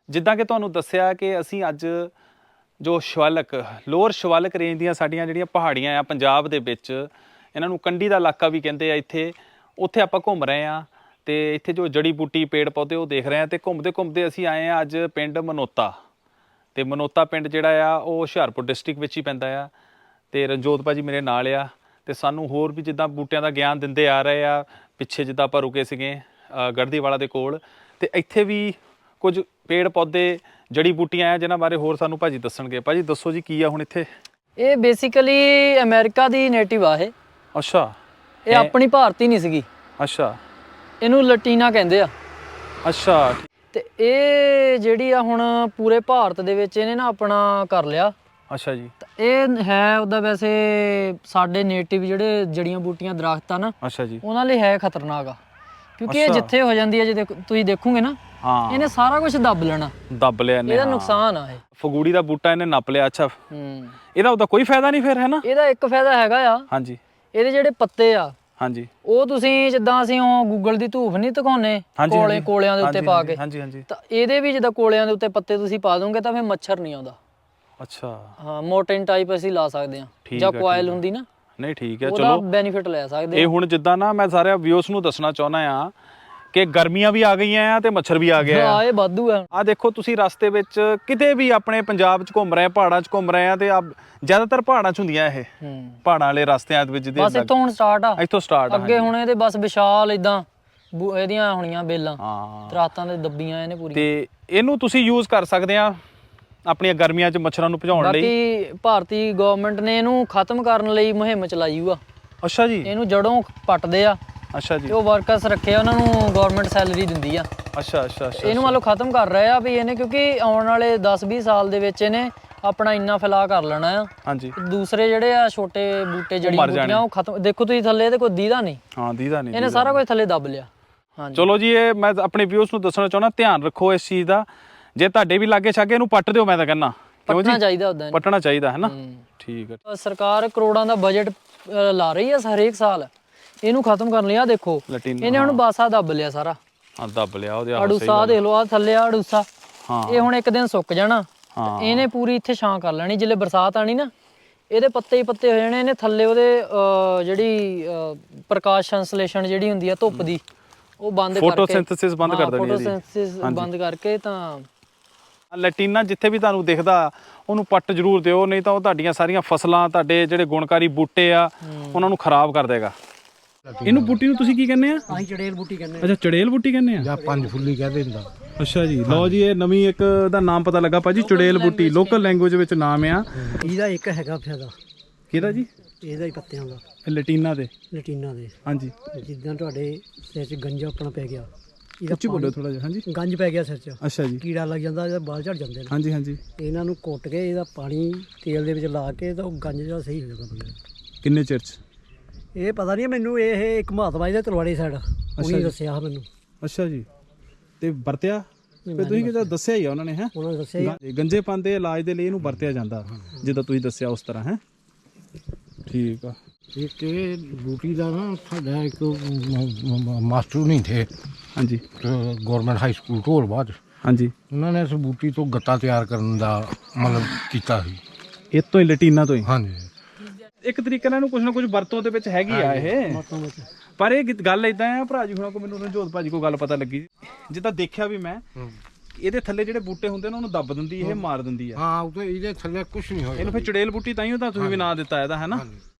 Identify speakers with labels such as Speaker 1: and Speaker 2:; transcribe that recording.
Speaker 1: ਜਿੱਦਾਂ ਕਿ ਤੁਹਾਨੂੰ ਦੱਸਿਆ ਕਿ ਅਸੀਂ ਅੱਜ ਜੋ ਸ਼ਿਵਾਲਿਕ ਲੋਅਰ ਸ਼ਿਵਾਲਿਕ ਰੇਂਜ ਦੀਆਂ ਸਾਡੀਆਂ ਜਿਹੜੀਆਂ ਪਹਾੜੀਆਂ ਆ ਪੰਜਾਬ ਦੇ ਵਿੱਚ, ਇਹਨਾਂ ਨੂੰ ਕੰਢੀ ਦਾ ਇਲਾਕਾ ਵੀ ਕਹਿੰਦੇ ਆ ਇੱਥੇ, ਉੱਥੇ ਆਪਾਂ ਘੁੰਮ ਰਹੇ ਹਾਂ ਅਤੇ ਇੱਥੇ ਜੋ ਜੜੀ ਬੂਟੀ ਪੇੜ ਪੌਦੇ ਉਹ ਦੇਖ ਰਹੇ ਹਾਂ। ਅਤੇ ਘੁੰਮਦੇ ਘੁੰਮਦੇ ਅਸੀਂ ਆਏ ਹਾਂ ਅੱਜ ਪਿੰਡ ਮਨੋਤਾ, ਅਤੇ ਮਨੋਤਾ ਪਿੰਡ ਜਿਹੜਾ ਆ ਉਹ ਹੁਸ਼ਿਆਰਪੁਰ ਡਿਸਟ੍ਰਿਕਟ ਵਿੱਚ ਹੀ ਪੈਂਦਾ ਆ। ਅਤੇ ਰਣਜੋਤ ਭਾਜੀ ਮੇਰੇ ਨਾਲ ਆ, ਅਤੇ ਸਾਨੂੰ ਹੋਰ ਵੀ ਜਿੱਦਾਂ ਬੂਟਿਆਂ ਦਾ ਗਿਆਨ ਦਿੰਦੇ ਆ ਰਹੇ ਆ। ਪਿੱਛੇ ਜਿੱਦਾਂ ਆਪਾਂ ਰੁਕੇ ਸੀਗੇ ਗੜ੍ਹਦੀਵਾਲਾ ਦੇ ਕੋਲ, ਅਤੇ ਇੱਥੇ ਵੀ ਕੁਝ ਪੇੜ ਪੌਦੇ ਜੜੀ ਬੂਟੀਆਂ ਆ ਜਿਨ੍ਹਾਂ ਬਾਰੇ ਹੋਰ ਸਾਨੂੰ ਭਾਜੀ ਦੱਸਣਗੇ। ਭਾਜੀ ਦੱਸੋ ਜੀ ਕੀ ਆ ਹੁਣ ਇੱਥੇ?
Speaker 2: ਇਹ ਬੇਸਿਕਲੀ ਅਮਰੀਕਾ ਦੀ ਨੇਟਿਵ ਆ ਇਹ।
Speaker 1: ਅੱਛਾ।
Speaker 2: ਇਹ ਆਪਣੀ ਭਾਰਤੀ ਨਹੀਂ ਸੀਗੀ।
Speaker 1: ਅੱਛਾ।
Speaker 2: ਇਹਨੂੰ ਲਟੀਨਾ ਕਹਿੰਦੇ ਆ।
Speaker 1: ਅੱਛਾ।
Speaker 2: ਤੇ ਇਹ ਜਿਹੜੀ ਆ ਹੁਣ ਪੂਰੇ ਭਾਰਤ ਦੇ ਵਿੱਚ ਇਹਨੇ ਨਾ ਆਪਣਾ ਕਰ ਲਿਆ।
Speaker 1: ਅੱਛਾ ਜੀ।
Speaker 2: ਇਹ ਹੈ ਉਹਦਾ ਵੈਸੇ ਸਾਡੇ ਨੇਟਿਵ ਜਿਹੜੇ ਜੜੀਆਂ ਬੂਟੀਆਂ ਦਰਖਤ ਆ ਨਾ,
Speaker 1: ਅੱਛਾ ਜੀ,
Speaker 2: ਉਹਨਾਂ ਲਈ ਹੈ ਖਤਰਨਾਕ ਆ, ਕਿਉਂਕਿ ਇਹ ਜਿੱਥੇ ਹੋ ਜਾਂਦੀ ਹੈ, ਜੇ ਤੁਸੀਂ ਦੇਖੋਗੇ ਨਾ,
Speaker 1: ਹਾਂ
Speaker 2: ਇਹਨੇ ਸਾਰਾ ਕੁਝ ਦੱਬ ਲੈਣਾ,
Speaker 1: ਦੱਬ ਲਿਆ ਇਹਨੇ।
Speaker 2: ਇਹਦਾ ਨੁਕਸਾਨ ਆ ਇਹ।
Speaker 1: ਫਗੂੜੀ ਦਾ ਬੂਟਾ ਇਹਨੇ ਨੱਪ ਲਿਆ। ਅੱਛਾ, ਇਹਦਾ ਉਹਦਾ ਕੋਈ ਫਾਇਦਾ ਨਹੀਂ ਫਿਰ, ਹੈ ਨਾ?
Speaker 2: ਇਹਦਾ ਇੱਕ ਫਾਇਦਾ ਹੈਗਾ ਆ।
Speaker 1: ਹਾਂਜੀ।
Speaker 2: ਇਹਦੇ ਜਿਹੜੇ ਪੱਤੇ ਆ,
Speaker 1: ਹਾਂਜੀ,
Speaker 2: ਉਹ ਤੁਸੀਂ ਜਿੱਦਾਂ ਅਸੀਂ ਉਹ ਗੂਗਲ ਦੀ ਧੂਫ ਨਹੀਂ ਦਿਖਾਉਂਦੇ ਕੋਲਿਆਂ ਦੇ ਉੱਤੇ ਪਾ ਕੇ,
Speaker 1: ਹਾਂਜੀ ਹਾਂਜੀ,
Speaker 2: ਤਾਂ ਇਹਦੇ ਵੀ ਜਿੱਦਾਂ ਕੋਲਿਆਂ ਦੇ ਉੱਤੇ ਪੱਤੇ ਤੁਸੀਂ ਪਾ ਦੋਗੇ ਤਾਂ ਫਿਰ ਮੱਛਰ ਨਹੀਂ ਆਉਂਦਾ।
Speaker 1: ਅੱਛਾ।
Speaker 2: ਹਾਂ, ਮੋਰਟਾਈਨ ਟਾਈਪ ਅਸੀਂ ਲਾ ਸਕਦੇ ਹਾਂ, ਜਾਂ ਕੋਇਲ ਹੁੰਦੀ ਨਾ।
Speaker 1: ਨਹੀਂ ਠੀਕ ਹੈ,
Speaker 2: ਚਲੋ ਬੈਨੀਫਿਟ ਲੈ ਸਕਦੇ।
Speaker 1: ਇਹ ਹੁਣ ਜਿੱਦਾਂ ਨਾ ਮੈਂ ਸਾਰੇ ਵਿਊਅਰਸ ਨੂੰ ਦੱਸਣਾ ਚਾਹੁੰਦਾ ਆ ਕਿ ਗਰਮੀਆਂ ਵੀ ਆ ਗਈਆਂ ਆ ਤੇ ਮੱਛਰ ਵੀ ਆ ਗਿਆ ਆ।
Speaker 2: ਇਹ ਵਾਧੂ ਆ।
Speaker 1: ਆ ਦੇਖੋ ਤੁਸੀਂ ਰਸਤੇ ਵਿੱਚ ਕਿਤੇ ਵੀ ਆਪਣੇ ਪੰਜਾਬ 'ਚ ਘੁੰਮ ਰਹੇ, ਪਹਾੜਾਂ 'ਚ ਘੁੰਮ ਰਹੇ ਆ, ਤੇ ਜ਼ਿਆਦਾਤਰ ਪਹਾੜਾਂ 'ਚ ਹੁੰਦੀਆਂ ਇਹ ਪਹਾੜਾਂ ਵਾਲੇ ਰਸਤਿਆਂ ਦੇ ਵਿੱਚ।
Speaker 2: ਬਸ ਇੱਥੋਂ ਹੁਣ ਸਟਾਰਟ ਆ,
Speaker 1: ਇੱਥੋਂ ਸਟਾਰਟ ਆ
Speaker 2: ਅੱਗੇ ਹੁਣ ਇਹਦੇ ਬਸ ਵਿਸ਼ਾਲ ਇਦਾਂ ਇਹਦੀਆਂ ਹੋਣੀਆਂ ਬੇਲਾਂ,
Speaker 1: ਹਾਂ,
Speaker 2: ਦਰਖਤਾਂ ਦੇ ਦੱਬੀਆਂ ਇਹਨੇ ਪੂਰੀ।
Speaker 1: ਤੇ ਇਹਨੂੰ ਤੁਸੀਂ ਯੂਜ਼ ਕਰ ਸਕਦੇ ਆ ਆਪਣੀਆਂ ਗਰਮੀਆਂ 'ਚ ਮੱਛਰਾਂ ਨੂੰ ਭਜਾਉਣ ਲਈ।
Speaker 2: ਬਾਕੀ ਭਾਰਤੀ ਗਵਰਨਮੈਂਟ ਨੇ ਇਹਨੂੰ ਖਤਮ ਕਰਨ ਲਈ ਮੁਹਿੰਮ ਚਲਾਈ ਹੋਆ।
Speaker 1: ਅੱਛਾ ਜੀ।
Speaker 2: ਇਹਨੂੰ ਜੜੋਂ ਪੱਟਦੇ ਆ।
Speaker 1: ਅੱਛਾ ਜੀ।
Speaker 2: ਤੇ ਉਹ ਵਰਕਰਸ ਰੱਖੇ ਆ, ਉਹਨਾਂ ਨੂੰ ਗਵਰਨਮੈਂਟ ਸੈਲਰੀ ਦਿੰਦੀ ਆ।
Speaker 1: ਅੱਛਾ ਅੱਛਾ ਅੱਛਾ।
Speaker 2: ਇਹਨੂੰ ਮੰਨ ਲਓ ਖਤਮ ਕਰ ਰਹੇ ਆ ਵੀ ਇਹਨੇ, ਕਿਉਂਕਿ ਆਉਣ ਵਾਲੇ 10-20 ਸਾਲ ਦੇ ਵਿੱਚ ਇਹਨੇ ਆਪਣਾ ਇੰਨਾ ਫੈਲਾਅ ਕਰ ਲੈਣਾ ਆ। ਹਾਂਜੀ। ਦੂਸਰੇ ਜਿਹੜੇ ਆ ਛੋਟੇ ਬੂਟੇ ਜੜੀ ਬੂਟੀਆਂ ਉਹ ਖਤਮ। ਦੇਖੋ ਤੁਸੀਂ ਥੱਲੇ ਇਹਦੇ ਕੋਈ ਦੀਦਾ ਨਹੀਂ।
Speaker 1: ਹਾਂ, ਦੀਦਾ ਨਹੀਂ।
Speaker 2: ਇਹਨੇ ਸਾਰਾ ਕੁਝ ਥੱਲੇ ਦੱਬ ਲਿਆ। ਹਾਂਜੀ। ਚਲੋ
Speaker 1: ਜੀ, ਇਹ ਮੈਂ ਆਪਣੇ ਵਿਊਅਰਸ ਨੂੰ ਦੱਸਣਾ ਚਾਹੁੰਦਾ, ਧਿਆਨ ਰੱਖੋ ਇਸ ਚੀਜ਼ ਦਾ। ਜੇ ਤੁਹਾਡੇ ਵੀ ਲਾਗੇ ਛਾਗੇ ਇਹਨੂੰ ਪੱਟ ਦਿਓ, ਮੈਂ ਤਾਂ ਕਹਿੰਦਾ
Speaker 2: ਪੱਟਣਾ ਚਾਹੀਦਾ, ਉਦਾਂ
Speaker 1: ਪੱਟਣਾ ਚਾਹੀਦਾ, ਹੈ ਨਾ? ਠੀਕ ਹੈ।
Speaker 2: ਸਰਕਾਰ ਕਰੋੜਾਂ ਦਾ ਬਜਟ ਲਾ ਰਹੀ ਆ ਹਰੇਕ ਸਾਲ ਇਹਨੂੰ ਖਤਮ ਕਰਨ ਲਈ। ਆ ਦੇਖੋ ਇਹਨੇ ਹੁਣ ਬਾਸਾ ਦੱਬ ਲਿਆ ਸਾਰਾ। ਹਾਂ, ਦੱਬ ਲਿਆ। ਉਹਦੇ ਅੜੂਸਾ ਦੇਖ ਲਓ, ਆ ਥੱਲੇ ਆ ਅੜੂਸਾ। ਇਹ ਹੁਣ ਇੱਕ ਦਿਨ ਸੁੱਕ ਜਾਣਾ, ਇਹਨੇ ਪੂਰੀ ਇੱਥੇ ਛਾਂ ਕਰ ਲੈਣੀ। ਜਿੱਲੇ ਬਰਸਾਤ ਆਣੀ ਨਾ, ਇਹਦੇ ਪੱਤੇ ਹੀ ਪੱਤੇ ਹੋ ਜਾਣੇ। ਇਹਨੇ ਥੱਲੇ ਉਹਦੇ ਜਿਹੜੀ ਪ੍ਰਕਾਸ਼ ਸੰਸਲੇਸ਼ਣ ਜਿਹੜੀ ਹੁੰਦੀ ਆ ਧੁੱਪ ਦੀ, ਉਹ ਬੰਦ ਕਰਕੇ,
Speaker 1: ਫੋਟੋਸਿੰਥੇਸਿਸ ਬੰਦ ਕਰ ਦੇਣੀ।
Speaker 2: ਫੋਟੋਸਿੰਥੇਸਿਸ ਬੰਦ ਕਰਕੇ ਤਾਂ
Speaker 1: ਲੈਟੀਨਾ ਜਿੱਥੇ ਵੀ ਤੁਹਾਨੂੰ ਦਿਖਦਾ ਉਹਨੂੰ ਪੱਟ ਜ਼ਰੂਰ ਦਿਓ, ਨਹੀਂ ਤਾਂ ਉਹ ਤੁਹਾਡੀਆਂ ਸਾਰੀਆਂ ਫਸਲਾਂ, ਤੁਹਾਡੇ ਜਿਹੜੇ ਗੁਣਕਾਰੀ ਬੂਟੇ ਆ, ਉਹਨਾਂ ਨੂੰ ਖਰਾਬ ਕਰ ਦੇਗਾ। ਇਹਨੂੰ ਬੂਟੀ ਨੂੰ ਤੁਸੀਂ ਕੀ ਕਹਿੰਦੇ ਆ?
Speaker 2: ਅਸੀਂ ਚੜੇਲ ਬੂਟੀ ਕਹਿੰਦੇ ਆ।
Speaker 1: ਅੱਛਾ, ਚੜੇਲ ਬੂਟੀ ਕਹਿੰਦੇ ਆ,
Speaker 3: ਜਾਂ ਪੰਜ ਫੁੱਲੀ ਕਹਿੰਦੇ ਹੁੰਦਾ।
Speaker 1: ਅੱਛਾ ਜੀ। ਲਓ ਜੀ, ਇਹ ਨਵੀਂ ਇੱਕ ਦਾ ਨਾਮ ਪਤਾ ਲੱਗਾ ਭਾਜੀ, ਚੜੇਲ ਬੂਟੀ। ਲੋਕਲ ਲੈਂਗੁਏਜ ਵਿੱਚ ਨਾਮ ਆ
Speaker 2: ਇਹਦਾ। ਇੱਕ ਹੈਗਾ ਫਾਇਦਾ
Speaker 1: ਕਿਹਦਾ ਜੀ?
Speaker 2: ਇਹਦਾ ਹੀ ਪੱਤਿਆਂ ਦਾ,
Speaker 1: ਲੈਟੀਨਾ ਦੇ।
Speaker 2: ਲੈਟੀਨਾ ਦੇ,
Speaker 1: ਹਾਂਜੀ।
Speaker 2: ਜਿੱਦਾਂ ਤੁਹਾਡੇ ਸਿਰ 'ਚ ਗੰਜਾ ਆਪਣਾ ਪੈ ਗਿਆ,
Speaker 1: ਉੱਚੀ ਬੋਲੋ ਥੋੜਾ ਜਿਹਾ। ਹਾਂਜੀ।
Speaker 2: ਗੰਜ ਪੈ ਗਿਆ ਸਿਰ 'ਚ।
Speaker 1: ਅੱਛਾ ਜੀ।
Speaker 2: ਕੀੜਾ ਲੱਗ ਜਾਂਦਾ, ਇਹਦਾ ਬਾਲ ਝੜ ਜਾਂਦੇ ਨੇ।
Speaker 1: ਹਾਂਜੀ ਹਾਂਜੀ।
Speaker 2: ਇਹਨਾਂ ਨੂੰ ਕੁੱਟ ਕੇ ਇਹਦਾ ਪਾਣੀ ਤੇਲ ਦੇ ਵਿੱਚ ਲਾ ਕੇ ਤਾਂ ਉਹ ਗੰਜ ਜਿਹੜਾ ਸਹੀ ਹੋ ਜਾਂਦਾ ਬੰਦੇ।
Speaker 1: ਕਿੰਨੇ ਚਿਰ 'ਚ?
Speaker 2: ਇਹ ਪਤਾ ਨਹੀਂ ਮੈਨੂੰ, ਇਹ ਇੱਕ ਮਹਾਤਮਾ ਜੀ ਦੇ ਤਲਵਾੜੇ ਸਾਈਡ ਉਹਨੇ ਦੱਸਿਆ ਮੈਨੂੰ।
Speaker 1: ਅੱਛਾ ਜੀ। ਤੇ ਵਰਤਿਆ ਤੇ ਤੁਸੀਂ ਕਿਹਾ ਦੱਸਿਆ ਹੀ ਆ ਉਹਨਾਂ ਨੇ? ਹੈ,
Speaker 2: ਉਹਨਾਂ ਨੇ ਦੱਸਿਆ
Speaker 1: ਗੰਜੇ ਪਾਉਂਦੇ ਇਲਾਜ ਦੇ ਲਈ ਇਹਨੂੰ ਵਰਤਿਆ ਜਾਂਦਾ, ਜਿੱਦਾਂ ਤੁਸੀਂ ਦੱਸਿਆ ਉਸ ਤਰ੍ਹਾਂ। ਹੈ, ਠੀਕ ਆ।
Speaker 3: ਇੱਕ ਇਹ ਬੂਟੀ ਦਾ ਨਾ ਸਾਡਾ ਇੱਕ ਮਾਸਟਰ ਨਹੀਂ ਥੇ।
Speaker 1: ਹਾਂਜੀ।
Speaker 3: Government high school Dholbad.
Speaker 1: ਹਾਂਜੀ।
Speaker 3: ਉਹਨਾਂ ਨੇ ਇਸ ਬੂਟੀ ਤੋਂ ਗੱਤਾ ਤਿਆਰ ਕਰਨ ਦਾ ਮਤਲਬ ਕੀਤਾ ਸੀ।
Speaker 1: ਇਹ ਤੋਂ ਹੀ, ਲੈਟੀਨਾ ਤੋਂ ਹੀ?
Speaker 3: ਹਾਂਜੀ।
Speaker 1: ਇੱਕ ਤਰੀਕੇ ਨਾਲ ਇਹਨੂੰ ਕੁਝ ਨਾ ਕੁਝ ਵਰਤੋਂ ਦੇ ਵਿੱਚ ਹੈਗੀ ਆ ਇਹ। ਪਰ ਇਹ ਗੱਲ ਇਦਾਂ ਆ, ਭਰਾ ਜੀ ਹੁਣਾਂ ਕੋ, ਮੈਨੂੰ ਰਣਜੋਤ ਭਾਜੀ ਕੋਲ ਗੱਲ ਪਤਾ ਲੱਗੀ, ਜਿੱਦਾਂ ਦੇਖਿਆ ਵੀ ਮੈਂ, ਇਹਦੇ ਥੱਲੇ ਜਿਹੜੇ ਬੂਟੇ ਹੁੰਦੇ ਨੇ ਉਹਨੂੰ ਦੱਬ ਦਿੰਦੀ, ਇਹ ਮਾਰ ਦਿੰਦੀ ਆ।
Speaker 3: ਹਾਂ, ਇਹਦੇ ਥੱਲੇ ਕੁਝ ਨਹੀਂ ਹੋਇਆ।
Speaker 1: ਇਹਨੂੰ ਫਿਰ ਚੜੇਲ ਬੂਟੀ ਤਾਂ ਹੀ ਤਾਂ ਤੁਸੀਂ ਵੀ ਨਾਂ ਦਿੱਤਾ ਇਹਦਾ, ਹੈ ਨਾ?